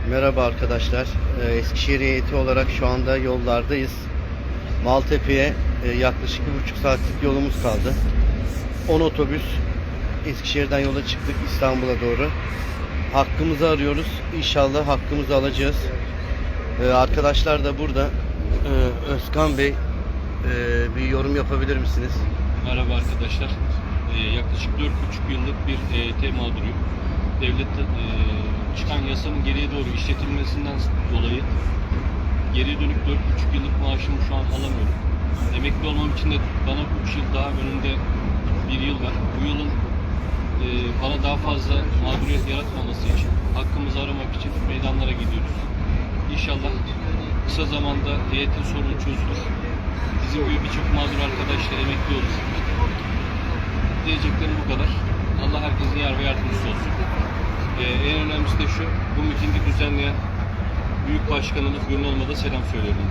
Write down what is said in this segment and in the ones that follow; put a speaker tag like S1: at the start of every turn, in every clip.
S1: Merhaba arkadaşlar. Eskişehir heyeti olarak şu anda yollardayız. Maltepe'ye yaklaşık 1,5 saatlik yolumuz kaldı. 10 otobüs Eskişehir'den yola çıktık İstanbul'a doğru. Hakkımızı arıyoruz. İnşallah hakkımızı alacağız. Arkadaşlar da burada. Özkan Bey, bir yorum yapabilir misiniz?
S2: Merhaba arkadaşlar. Yaklaşık 4,5 yıllık bir EYT mağduruyum. Devlette çıkan yasanın geriye doğru işletilmesinden dolayı geriye dönük 4,5 yıllık maaşımı şu an alamıyorum. Emekli olmam için de bana 3 yıl daha önünde bir yıl var. Bu yılın bana daha fazla mağduriyet yaratmaması için, hakkımızı aramak için meydanlara gidiyoruz. İnşallah kısa zamanda EYT sorunu çözülür. Bizim gibi birçok mağdur arkadaş da emekli olur. Diyeceklerim bu kadar. Allah herkesin yar ve yardımcısı olsun. En önemlisi de şu, bu mitingi düzenleyen Büyük Başkanımız Gönül Olma'da selam söylüyorum.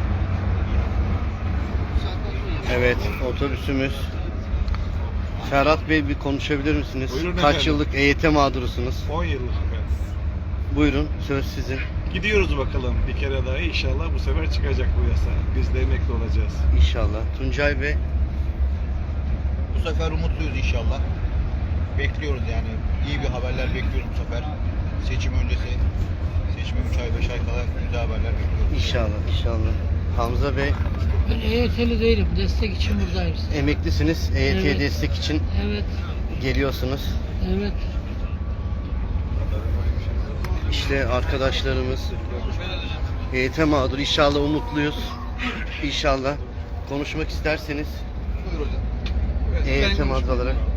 S1: Evet, otobüsümüz. Ferhat Bey, bir konuşabilir misiniz?
S3: Buyurun
S1: Kaç
S3: efendim.
S1: yıllık EYT mağdurusunuz?
S3: 10 yıllık efendim.
S1: Buyurun, söz sizin.
S3: Gidiyoruz bakalım bir kere daha. İnşallah bu sefer çıkacak bu yasa. Biz de emekli olacağız.
S1: İnşallah. Tuncay Bey,
S4: Bu sefer umutluyuz inşallah. Bekliyoruz yani. İyi bir haberler bekliyoruz bu sefer. Seçim öncesi. Seçime 3 ay 5 ay kala güzel haberler bekliyoruz.
S1: inşallah, inşallah. Hamza Bey,
S5: Ben EYT'li değilim. Destek için buradayım.
S1: emeklisiniz. EYT
S5: Evet.
S1: destek için
S5: Evet.
S1: geliyorsunuz.
S5: Evet.
S1: İşte arkadaşlarımız EYT mağdur. İnşallah umutluyuz. İnşallah. Konuşmak isterseniz
S4: Buyur hocam.
S1: EYT mağdur olarak.